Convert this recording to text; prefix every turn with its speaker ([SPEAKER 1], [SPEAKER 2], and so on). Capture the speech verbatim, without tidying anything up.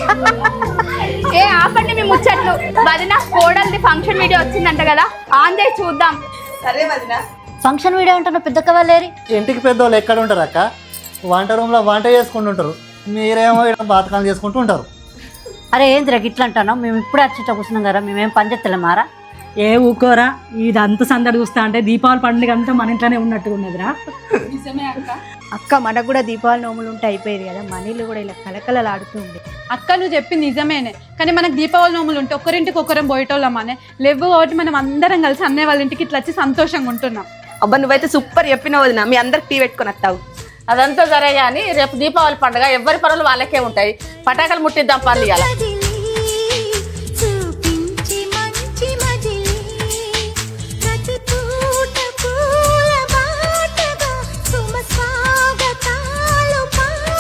[SPEAKER 1] ఏ ఆపండి మీ ముచ్చట్లు. వదిన కోడల్ది ఫంక్షన్ వీడియో వచ్చిందంట కదా, ఆన్ చేసి చూద్దాం.
[SPEAKER 2] సరే వదిన.
[SPEAKER 3] ఫంక్షన్ వీడియో అంటున్నా పెద్ద కవాలేరి.
[SPEAKER 4] ఇంటికి పెద్దోళ్ళు ఎక్కడ ఉంటారు అక్క? వంట రూమ్లో వంట చేసుకుంటుంటారు, మీరేమో ఇక్కడ బాతకాలు చేసుకుంటూ ఉంటారు.
[SPEAKER 3] అరే ఏందిరా గిట్లా అంటాను? మేము ఇప్పుడు వచ్చేట కూర్చున్నాం కదా, మేమేం పని చేస్తలేమారా?
[SPEAKER 5] ఏ ఊకోరా, ఇదంతా సందడి చూస్తా అంటే దీపావళి పండుగ అంతా మన ఇంట్లోనే ఉన్నట్టుగా ఉన్నదిరా.
[SPEAKER 1] నిజమే అక్క.
[SPEAKER 6] అక్క మనకు కూడా దీపావళి నోములు ఉంటే అయిపోయేది కదా, మనీళ్ళు కూడా ఇలా కలకలలాడుతుంది.
[SPEAKER 7] అక్క నువ్వు చెప్పింది నిజమేనే, కానీ మనకు దీపావళి నోములు ఉంటే ఒకరింటికి ఒకరం పోయేటోళ్ళమనే లేవు కాబట్టి మనం అందరం కలిసి అన్నయ్య వాళ్ళ ఇంటికి ఇట్లా వచ్చి సంతోషంగా ఉంటున్నాం.
[SPEAKER 2] అబ్బా నువ్వైతే సూపర్ చెప్పినావు వదిన, మీ అందరికి టీ పెట్టుకొని వస్తావు.
[SPEAKER 8] అదంతా సరే కానీ రేపు దీపావళి పండుగ ఎవరి పనులు వాళ్ళకే ఉంటాయి. పటాకులు ముట్టిద్దాం పళ్ళు ఇవ్వాలి.